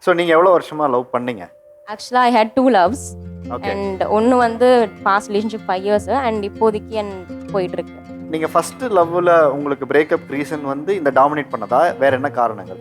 So நீங்கள் எவ்வளோ வருஷமாக லவ் பண்ணீங்க? ஆக்சுவலாக I hate 2 loves. Okay. And ஒன்று வந்து பாஸ்ட் ரிலேஷன்ஷிப் 5 இயர்ஸ் அண்ட் இப்போதைக்கு போயிட்டு இருக்கு. நீங்கள் ஃபஸ்ட்டு லவ்வில் உங்களுக்கு பிரேக்கப் ரீசன் வந்து இந்த டாமினேட் பண்ணதா, வேற என்ன காரணங்கள்?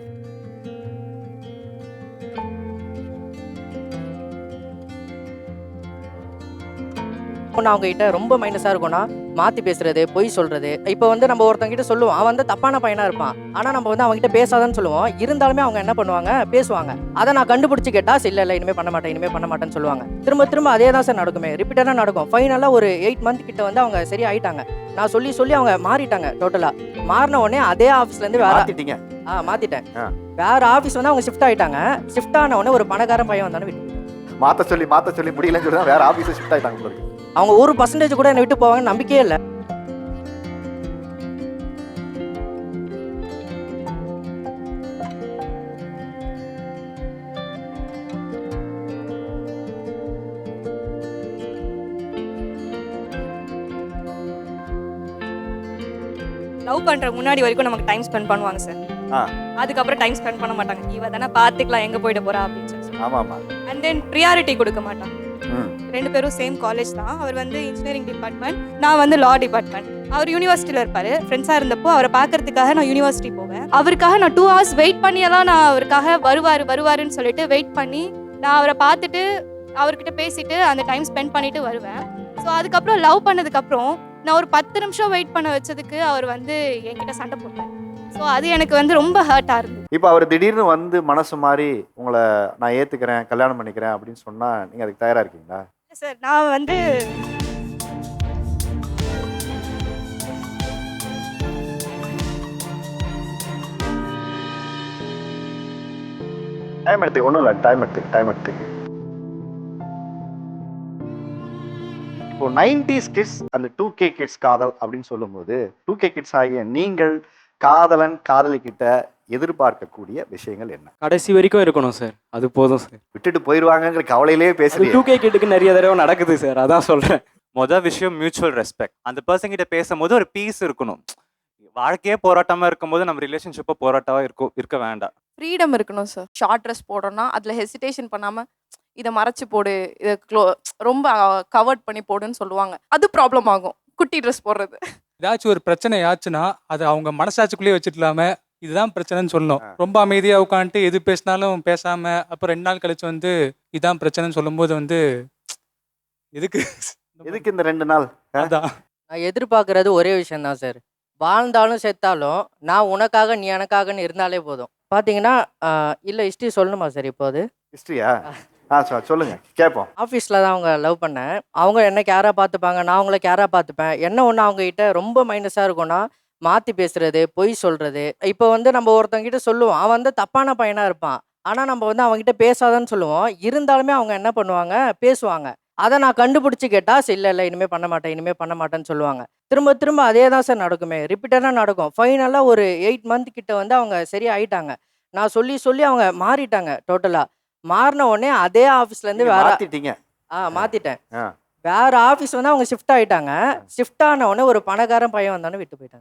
நான் அவங்க கிட்ட ரொம்ப மைனஸாக இருக்கும்னா மாற்றி பேசுறது, பொய் சொல்றது. இப்போ வந்து நம்ம ஒருத்தவங்க கிட்ட சொல்லுவோம், அவன் வந்து தப்பான பையனாக இருப்பான். ஆனால் நம்ம வந்து அவங்க கிட்ட பேசாதான்னு சொல்லுவோம். இருந்தாலுமே அவங்க என்ன பண்ணுவாங்க, பேசுவாங்க. அதை நான் கண்டுபிடிச்சி கேட்டால் இல்லை இனிமேல் பண்ண மாட்டேன்னு சொல்லுவாங்க. திரும்ப திரும்ப அதே தான் சார் நடக்குமே, ரிப்பீட்டடாக நடக்கும். ஃபைனலாக ஒரு 8 மந்த் கிட்ட வந்து அவங்க சரி ஆயிட்டாங்க. நான் சொல்லி அவங்க மாறிட்டாங்க. டோட்டலாக மாறின உடனே அதே ஆஃபீஸ்லேருந்து வேற மாற்றிட்டேன். வேற ஆஃபீஸ் வந்து அவங்க ஷிஃப்ட் ஆகிட்டாங்க. ஷிஃப்ட் ஆன உடனே ஒரு பணக்காரன் பையன் வந்தானே விட்டு மாற்ற சொல்லி முடியலன்னு சொல்லி தான் வேற ஆஃபீஸை ஷிஃப்ட் ஆகிட்டாங்க. அவங்க 1% கூட என்னை விட்டு போவாங்கன்னு நம்பிக்கையே இல்லை. லவ் பண்ற முன்னாடி வரைக்கும் நமக்கு டைம் ஸ்பெண்ட் பண்ணுவாங்க சார். அதுக்கப்புறம் டைம் ஸ்பெண்ட் பண்ண மாட்டாங்க. இவ தானே பார்த்துக்கலாம் எங்க போயிட போறா அப்படின்னு சொல்லி. ஆமாமா. அண்ட் தென் ப்ரியாரிட்டி கொடுக்க மாட்டாங்க. 2 பேரும் சேம் காலேஜ் தான். அவர் வந்து இன்ஜினியரிங் டிபார்ட்மெண்ட், நான் வந்து லா டிபார்ட்மெண்ட். அவர் யூனிவர்சிட்டியில் இருப்பாரு. ஃப்ரெண்ட்ஸாக இருந்தப்போ அவரை பார்க்கறதுக்காக நான் யூனிவர்சிட்டி போவேன். அவருக்காக நான் 2 hours வெயிட் பண்ணியெல்லாம் நான் அவருக்காக வருவாருன்னு சொல்லிட்டு வெயிட் பண்ணி நான் அவரை பார்த்துட்டு அவர்கிட்ட பேசிட்டு அந்த டைம் ஸ்பெண்ட் பண்ணிட்டு வருவேன். ஸோ அதுக்கப்புறம் லவ் பண்ணதுக்கப்புறம் நான் ஒரு 10 நிமிஷம் வெயிட் பண்ண வச்சதுக்கு அவர் வந்து என்கிட்ட சண்டை போட்டார். ஸோ அது எனக்கு வந்து ரொம்ப ஹர்ட்டாக இருந்தது. இப்போ அவர் திடீர்னு வந்து மனசு மாதிரி உங்களை நான் ஏற்றுக்கிறேன், கல்யாணம் பண்ணிக்கிறேன் அப்படின்னு சொன்னால் நீங்கள் அதுக்கு தயாராக இருக்கீங்களா? சார் நான் வந்து டைம் எடுத்துக்க ஒன்றும் இல்லை, டைம் எடுத்துக்க. இப்போ 90s கிட்ஸ் அந்த 2K கிட்ஸ் காதல் அப்படின்னு சொல்லும்போது 2K கிட்ஸ் ஆகிய நீங்கள் காதலன் காதலி கிட்ட எதிர்பார்க்கக்கூடிய விஷயங்கள் என்ன? கடைசி வரைக்கும் இருக்கணும் சார், அது போதும் சார். விட்டுட்டு போயிடுவாங்கங்கிற கவலையிலே பேசுறீங்க. 2K கிட்டுக்கு நிறைய தடவை நடக்குது சார், அதான் சொல்றேன். மொதல் விஷயம் மியூச்சுவல் ரெஸ்பெக்ட். அந்த பர்சன் கிட்ட பேசும்போது ஒரு பீஸ் இருக்கணும். வாழ்க்கையே போராட்டமா இருக்கும்போது நம்ம ரிலேஷன்ஷிப்பை போராட்டமா இருக்க வேண்டாம். ஃப்ரீடம் இருக்கணும் சார். ஷார்ட் ட்ரெஸ் போடணும்னா அதில் ஹெசிடேஷன் பண்ணாமல் இதை மறைச்சு போடு, இதை ரொம்ப கவர்ட் பண்ணி போடுன்னு சொல்லுவாங்க. அது ப்ராப்ளம் ஆகும் குட்டி ட்ரெஸ் போடுறது. ஏதாச்சும் ஒரு பிரச்சனை ஆச்சுன்னா அதை அவங்க மனசாட்சிக்குள்ளேயே வச்சுக்கலாம இதுதான் பிரச்சனைன்னு சொல்லணும். ரொம்ப அமைதியாக உட்காந்துட்டு எது பேசினாலும் பேசாம அப்புறம் 2 நாள் கழிச்சு வந்து இதான் பிரச்சனைன்னு சொல்லும்போது வந்து எதுக்கு இந்த 2 நாள்? அதான் நான் எதிர்பார்க்கறது ஒரே விஷயம் தான் சார். வாழ்ந்தாலும் செத்தாலும் நான் உனக்காக நீ எனக்காகன்னு இருந்தாலே போதும். பார்த்தீங்கன்னா இல்லை ஹிஸ்ட்ரி சொல்லணுமா சார்? இப்போ அது ஹிஸ்ட்ரியா? சொல்லுங்க கேட்போம். ஆஃபீஸில் தான் அவங்க லவ் பண்ணேன். அவங்க என்ன கேராக பார்த்துப்பாங்க, நான் அவங்கள கேராக பார்த்துப்பேன். என்ன ஒன்று அவங்ககிட்ட ரொம்ப மைனஸாக இருக்கும்னா மாற்றி பேசுறது, பொய் சொல்றது. இப்போ வந்து நம்ம ஒருத்தவங்க கிட்ட சொல்லுவோம், அவன் வந்து தப்பான பையனாக இருப்பான். ஆனால் நம்ம வந்து அவங்ககிட்ட பேசாதான்னு சொல்லுவோம். இருந்தாலுமே அவங்க என்ன பண்ணுவாங்க, பேசுவாங்க. அதை நான் கண்டுபிடிச்சி கேட்டால் இல்லை இனிமேல் பண்ண மாட்டேன்னு சொல்லுவாங்க. திரும்ப திரும்ப அதே தான் சார் நடக்குமே, ரிப்பீட்டடாக நடக்கும். ஃபைனலாக ஒரு 8 மந்த் கிட்ட வந்து அவங்க சரி ஆயிட்டாங்க. நான் சொல்லி அவங்க மாறிட்டாங்க. டோட்டலாக மாறின உடனே அதே ஆஃபீஸ்லேருந்து வேற மாற்றிட்டேன். வேற ஆஃபீஸ் வந்து அவங்க ஷிஃப்ட் ஆகிட்டாங்க. ஷிஃப்ட் ஆன உடனே ஒரு பணக்காரன் பையன் வந்தானே விட்டு போயிட்டாங்க.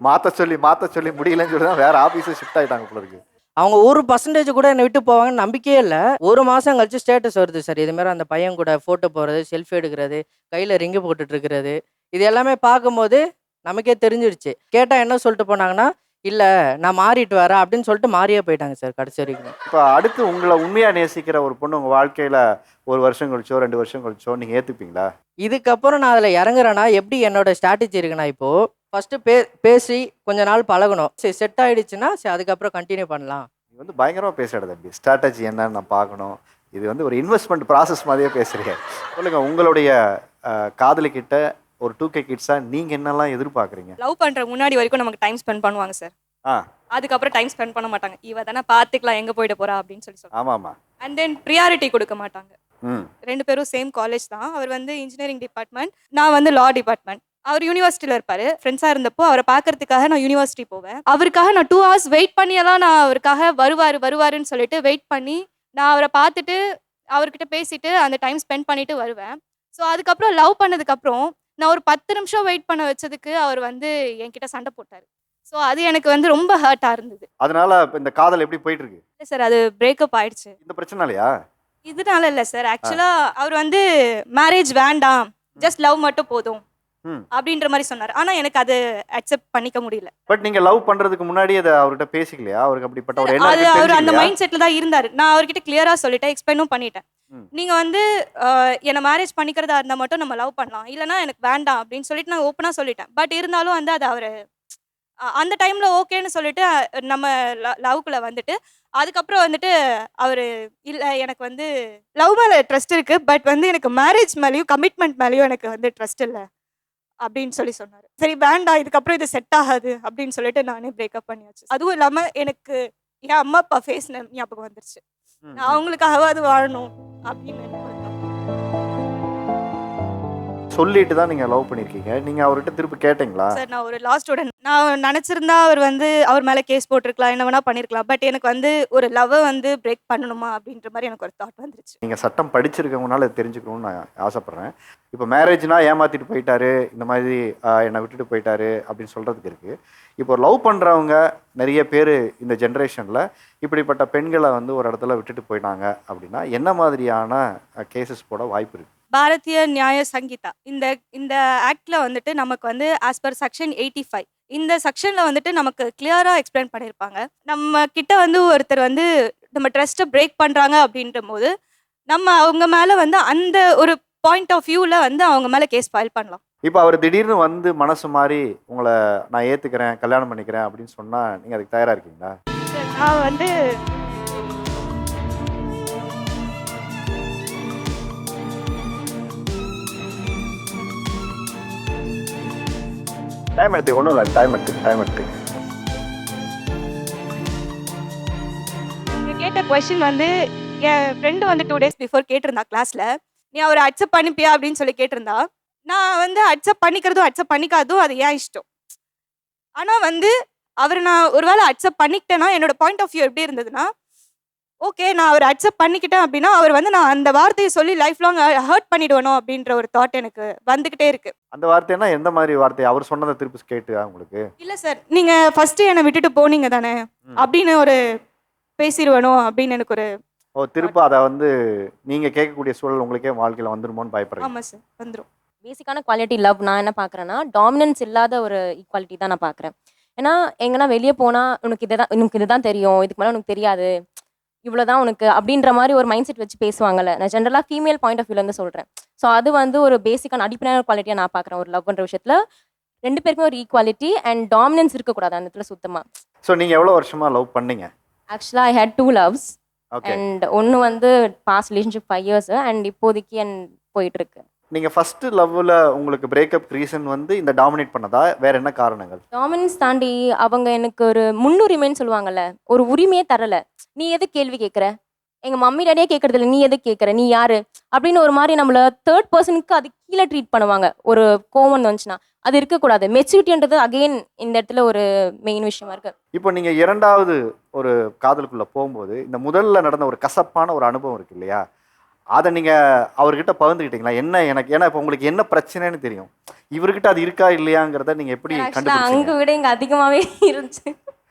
மாற்ற சொல்லி முடியலன்னு சொல்லி தான் வேற ஆஃபீஸை ஷிஃப்ட் ஆகிட்டாங்க போல இருக்கு. அவங்க 1% கூட என்னை விட்டு போவாங்கன்னு நம்பிக்கையே இல்லை. 1 மாதம் கழிச்சு ஸ்டேட்டஸ் வருது சார். இதுமாரி அந்த பையன் கூட ஃபோட்டோ போடுறது, செல்ஃபி எடுக்கிறது, கையில் ரிங்கு போட்டுட்டு இருக்கிறது. இது எல்லாமே பார்க்கும்போது நமக்கே தெரிஞ்சிடுச்சு. கேட்டால் என்ன சொல்லிட்டு போனாங்கன்னா, இல்லை நான் மாறிட்டு வரேன் அப்படின்னு சொல்லிட்டு மாறியே போயிட்டாங்க சார் கடைசி வரைக்கும். இப்போ அடுத்து உங்களை உண்மையாக நேசிக்கிற ஒரு பொண்ணு உங்கள் வாழ்க்கையில் 1 வருஷம் கழிச்சோ 2 வருஷம் கழிச்சோ நீங்கள் ஏற்றுப்பீங்களா? இதுக்கப்புறம் நான் அதில் இறங்குறேன்னா எப்படி என்னோட ஸ்ட்ராட்டஜி இருக்குன்னா, இப்போது ஃபஸ்ட்டு பேசி கொஞ்ச நாள் பழகணும். சரி செட் ஆகிடுச்சுன்னா சரி அதுக்கப்புறம் கண்டினியூ பண்ணலாம். நீ வந்து பயங்கரமாக பேசுகிற தம்பி. ஸ்ட்ராட்டஜி என்னன்னு நான் பார்க்கணும். இது வந்து ஒரு இன்வெஸ்ட்மெண்ட் ப்ராசஸ் மாதிரியே பேசுகிறீங்க. சொல்லுங்கள், உங்களுடைய காதலிக்கிட்ட ஒரு 2K கிட்ஸா நீங்கள் என்னெல்லாம் எதிர்பார்க்குறீங்க? லவ் பண்ற முன்னாடி வரைக்கும் நமக்கு டைம் ஸ்பெண்ட் பண்ணுவாங்க சார். அதுக்கப்புறம் டைம் ஸ்பெண்ட் பண்ண மாட்டாங்க. இவ தானே பார்த்துக்கலாம் எங்க போயிட போறா அப்படின்னு சொல்லி. ஆமாம்மா. அண்ட் தென் ப்ரியாரிட்டி கொடுக்க மாட்டாங்க. 2 பேரும் சேம் காலேஜ் தான். அவர் வந்து இன்ஜினியரிங் டிபார்ட்மெண்ட், நான் வந்து லா டிபார்ட்மெண்ட். அவர் யூனிவர்சிட்டியில் இருப்பாரு. ஃப்ரெண்ட்ஸாக இருந்தப்போ அவரை பார்க்கறதுக்காக நான் யூனிவர்சிட்டி போவேன். அவருக்காக நான் 2 hours வெயிட் பண்ணியெல்லாம் நான் அவருக்காக வருவாருன்னு சொல்லிட்டு வெயிட் பண்ணி நான் அவரை பார்த்துட்டு அவர்கிட்ட பேசிட்டு அந்த டைம் ஸ்பெண்ட் பண்ணிட்டு வருவேன். ஸோ அதுக்கப்புறம் லவ் பண்ணதுக்கப்புறம் நான் ஒரு 10 நிமிஷம் வெயிட் பண்ண வச்சதுக்கு அவர் வந்து என்கிட்ட சண்டை போட்டார். ஸோ அது எனக்கு வந்து ரொம்ப ஹர்ட்டாக இருந்தது. அதனால இப்ப இந்த காதல் எப்படி போயிட்டு இருக்கு? இல்லை சார், அது பிரேக்கப் ஆயிடுச்சு. இந்த பிரச்சனைலையா? இதனால இல்லை சார், ஆக்சுவலாக அவர் வந்து மேரேஜ் வேண்டாம், ஜஸ்ட் லவ் மட்டும் போதும் ம். அப்படின்ற மாதிரி சொன்னார். ஆனால் எனக்கு அது அக்செப்ட் பண்ணிக்க முடியல. பட் நீங்க லவ் பண்றதுக்கு முன்னாடி அதை அவர்கிட்ட பேசிக்கலையா? அவருக்கு அப்படிப்பட்ட ஒரு அது எண்ணம் அவர் அந்த தெரிஞ்சுக்கலையா? மைண்ட் செட்டில் தான் இருந்தார். நான் அவர்கிட்ட கிளியராக சொல்லிட்டேன், எக்ஸ்பிளைனும் பண்ணிட்டேன். ம். நீங்கள் வந்து என்னை மேரேஜ் பண்ணிக்கிறதா இருந்தால் மட்டும் நம்ம லவ் பண்ணலாம், இல்லைனா எனக்கு வேண்டாம் அப்படின்னு சொல்லிட்டு நான் ஓப்பனாக சொல்லிட்டேன். பட் இருந்தாலும் வந்து அது அவர் அந்த டைமில் ஓகேன்னு சொல்லிட்டு நம்ம லவ்க்குள்ளே வந்துட்டு அதுக்கப்புறம் வந்துட்டு அவர் இல்லை எனக்கு வந்து லவ் மேலே ட்ரஸ்ட் இருக்குது, பட் வந்து எனக்கு மேரேஜ் மேலேயும் கமிட்மெண்ட் மேலேயும் எனக்கு வந்து ட்ரஸ்ட் இல்லை அப்படின்னு சொன்னார். சரி வேண்டாம், இதுக்கப்புறம் இது செட் ஆகாது அப்படின்னு சொல்லிட்டு நானே பிரேக்கப் பண்ணியாச்சு. அதுவும் இல்லாமல் எனக்கு என் அம்மா அப்பா ஃபேஸ் ஞாபகம் வந்துருச்சு. ம், நான் அவங்களுக்காகவாது வாழணும் அப்படின்னு எனக்கு ஒரு thought. சொல்லிட்டு தான் நீங்க லவ் பண்ணிருக்கீங்க. நீங்க அவர்கிட்ட திருப்பி கேட்டீங்களா? சார், நான் ஒரு லா ஸ்டூடெண்ட். நான் நினச்சிருந்தா அவர் வந்து அவர் மேலே கேஸ் போட்டிருக்கலாம், என்ன வேணா பண்ணியிருக்கலாம். பட் எனக்கு வந்து ஒரு லவ்வை வந்து பிரேக் பண்ணணுமா அப்படின்ற மாதிரி எனக்கு ஒரு தாட் வந்துருச்சு. நீங்க சட்டம் படிச்சிருக்கவங்கனால இதை தெரிஞ்சுக்கணும்னு நான் ஆசைப்படுறேன். இப்போ மேரேஜ்னா ஏமாத்திட்டு போயிட்டாரு, இந்த மாதிரி என்னை விட்டுட்டு போயிட்டாரு அப்படின்னு சொல்றதுக்கு இருக்கு. இப்போ லவ் பண்றவங்க நிறைய பேர் இந்த ஜென்ரேஷன்ல இப்படிப்பட்ட பெண்களை வந்து ஒரு இடத்துல விட்டுட்டு போயிட்டாங்க அப்படின்னா என்ன மாதிரியான கேசஸ் போட வாய்ப்பு இருக்கு? பாரதிய நியாய சங்கீதா இந்த இந்த ஆக்ட்ல வந்துட்டு நமக்கு வந்து ஆஸ் பர் செக்ஷன் 85 இந்த செக்ஷன்ல வந்துட்டு நமக்கு கிளியரா எக்ஸ்பிளைன் பண்ணியிருப்பாங்க. நம்ம கிட்ட வந்து ஒருத்தர் வந்து நம்ம ட்ரஸ்ட்டை பிரேக் பண்றாங்க அப்படின்ற போது நம்ம அவங்க மேல வந்து அந்த ஒரு பாயிண்ட் ஆஃப் வியூல வந்து அவங்க மேல கேஸ் ஃபைல் பண்ணலாம். இப்போ அவர் திடீர்னு வந்து மனசு மாறி உங்களை நான் ஏத்துக்கிறேன், கல்யாணம் பண்ணிக்கிறேன் அப்படின்னு சொன்னா நீங்க அதுக்கு தயாரா இருக்கீங்களா? நான் வந்து டைம் எடுத்து ஒன்றும் இல்லை, டைம் எடுத்து நீங்க கேட்ட கொஸ்டின் வந்து என் ஃப்ரெண்டு வந்து 2 days பிஃபோர் கேட்டிருந்தா கிளாஸ்ல, நீ அவரை அக்செப்ட் பண்ணிப்பியா அப்படின்னு சொல்லி கேட்டிருந்தா. நான் வந்து அக்செப்ட் பண்ணிக்கிறதும் அக்செப்ட் பண்ணிக்காதும் அது ஏன் இஷ்டம். ஆனால் வந்து அவர் நான் ஒருவேளை அக்செப்ட் பண்ணிக்கிட்டேன்னா என்னோட பாயிண்ட் ஆஃப் வியூ எப்படி இருந்ததுன்னா, ஓகே நான் அவர் அக்செப்ட் பண்ணிக்கிட்டேன் அப்படின்னா அவர் வந்து நான் அந்த வார்த்தையை சொல்லி லைஃப் லாங் ஹர்ட் பண்ணிடுவணும் அப்படின்ற ஒரு தாட் எனக்கு வந்துக்கிட்டே இருக்கு. அந்த வார்த்தைன்னா எந்த மாதிரி வார்த்தை? அவர் சொன்னதை திருப்பி கேட்டு உங்களுக்கு? இல்லை சார், நீங்கள் ஃபர்ஸ்ட் என்னை விட்டுட்டு போனீங்க தானே அப்படின்னு ஒரு பேசிடுவனோ அப்படின்னு எனக்கு ஒரு திரும்ப அதை வந்து நீங்க கேட்கக்கூடிய சூழல் உங்களுக்கே வாழ்க்கையில வந்துருமோன்னு பயப்படுறீங்க? ஆமாம் சார், வந்துடும். பேசிக்கான குவாலிட்டி லவ் நான் என்ன பார்க்குறேன்னா டாமினன்ஸ் இல்லாத ஒரு ஈக்குவாலிட்டி தான் நான் பார்க்குறேன். ஏன்னா எங்கன்னா வெளியே போனால் உனக்கு இதுதான் தெரியும், இதுக்கு மேலே உனக்கு தெரியாது, இவ்வளோதான் உனக்கு அப்படின்ற மாதிரி ஒரு மைண்ட் செட் வச்சு பேசுவாங்கல்ல. நான் ஜென்ரலாக ஃபீமேல் பாயிண்ட் ஆஃப் வியூலேருந்து சொல்கிறேன். ஸோ அது வந்து ஒரு பேசிக்கான அடிப்படையான குவாலிட்டியாக நான் பார்க்குறேன். ஒரு லவ் பண்ணுற விஷயத்தில் 2 பேருக்குமே ஒரு ஈக்குவாலிட்டி அண்ட் டாமினன்ஸ் இருக்கக்கூடாது அந்த இடத்துல சுத்தமாக. ஸோ நீங்கள் எவ்வளோ வருஷமா லவ் பண்ணீங்க? ஆக்சுவலாக I hate 2 loves okay. And ஒன்று வந்து பாஸ்ட் ரிலேஷன்ஷிப் 5 years அண்ட் இப்போதைக்கு போயிட்டுருக்கு. நீங்கள் ஃபர்ஸ்ட் லவ்வில் உங்களுக்கு பிரேக்கப் ரீசன் வந்து இந்த டாமினேட் பண்ணதா, வேற என்ன காரணங்கள்? டாமினன்ஸ் தாண்டி அவங்க எனக்கு ஒரு முன்னுரிமைன்னு சொல்லுவாங்கல்ல, ஒரு உரிமையே தரல. நீ எது கேள்வி கேட்குற, எங்கள் மம்மி டேடியே கேட்கறது இல்லை, நீ எது கேட்குற, நீ யாரு அப்படின்னு ஒரு மாதிரி நம்மள தேர்ட் பர்சனுக்கு அது கீழே ட்ரீட் பண்ணுவாங்க. ஒரு கோவம் வந்துச்சுன்னா அது இருக்கக்கூடாது. மெச்சூரிட்டின்றது அகெயின் இந்த இடத்துல ஒரு மெயின் விஷயமா இருக்கு. இப்போ நீங்கள் இரண்டாவது ஒரு காதலுக்குள்ளே போகும்போது இந்த முதல்ல நடந்த ஒரு கசப்பான ஒரு அனுபவம் இருக்கு இல்லையா, அதை நீங்கள் அவர்கிட்ட பகிர்ந்துக்கிட்டீங்களா? எனக்கு ஏன்னா இப்போ உங்களுக்கு என்ன பிரச்சனைன்னு தெரியும், இவர்கிட்ட அது இருக்கா இல்லையாங்கிறத நீங்கள் எப்படி அங்கே கண்டுபிடிச்சீங்க? விட இங்கே அதிகமாகவே இருந்துச்சு.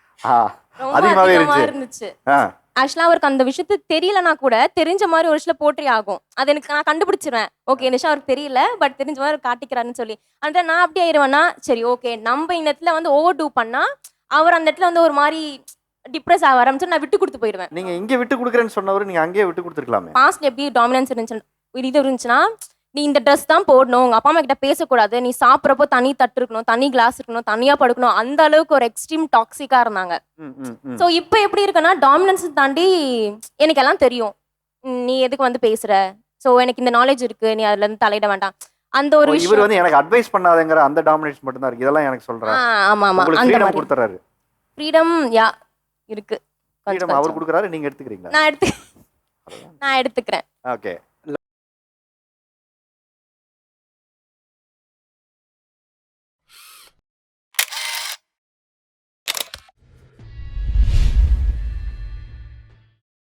ரொம்ப அதிகமாகவே இருந்துச்சு. ஆ ஆக்சுவலாக அவருக்கு அந்த விஷயத்து தெரியலனா கூட தெரிஞ்ச மாதிரி ஒரு சில போற்றி ஆகும். அது எனக்கு நான் கண்டுபிடிச்சிருவேன். ஓகே இந்த விஷயம் அவருக்கு தெரியல, பட் தெரிஞ்ச மாதிரி காட்டிக்கிறாருன்னு சொல்லி. அந்த நான் அப்படியே ஆயிடுவேன்னா, சரி ஓகே நம்ம இந்த இடத்துல வந்து ஓவர் டூ பண்ணா அவர் அந்த இடத்துல வந்து ஒரு மாதிரி டிப்ரெஸ் ஆக ஆரம்பிச்சு நான் விட்டு கொடுத்து போயிடுவேன். நீங்கள் இங்கே விட்டு கொடுக்குறேன்னு சொன்னவர் நீங்கள் அங்கேயே விட்டு கொடுத்துருக்கலாமே. பாஸ்ட் எப்படி டாமினன்ஸ் இருந்துச்சுன்னா, நீ இந்த ட்ரெஸ் தான் போடணும், உங்கள் அப்பா அம்மா கிட்ட பேசக்கூடாது, நீ சாப்பிட்றப்போ தனி தட்டு இருக்கணும், தனி கிளாஸ் இருக்கணும், தனியாக படுக்கணும், அந்த அளவுக்கு ஒரு எக்ஸ்ட்ரீம் டாக்ஸிக்காக இருந்தாங்க. ஸோ இப்போ எப்படி இருக்குன்னா டாமினன்ஸ் தாண்டி எனக்கு எல்லாம் தெரியும், நீ எதுக்கு வந்து பேசுற, ஸோ எனக்கு இந்த நாலேஜ் இருக்கு, நீ அதுல இருந்து தலையிட வேண்டாம், அந்த ஒரு இவர் விஷயம். வந்து எனக்கு அட்வைஸ் பண்ணாதங்கிற அந்த டாமினேஷன் மட்டும் தான் இருக்கு. இதெல்லாம் எனக்கு சொல்றேன். ஆமா ஆமா உங்களுக்கு அந்த ஃப்ரீடம் மாதிரி கொடுத்துறாரு. ஃப்ரீடம் இருக்கு. ஃப்ரீடம் அவர் கொடுக்குறாரு, நீங்க எடுத்துக்கிறீங்களா? நான் எடுத்துக்கிறேன். ஓகே.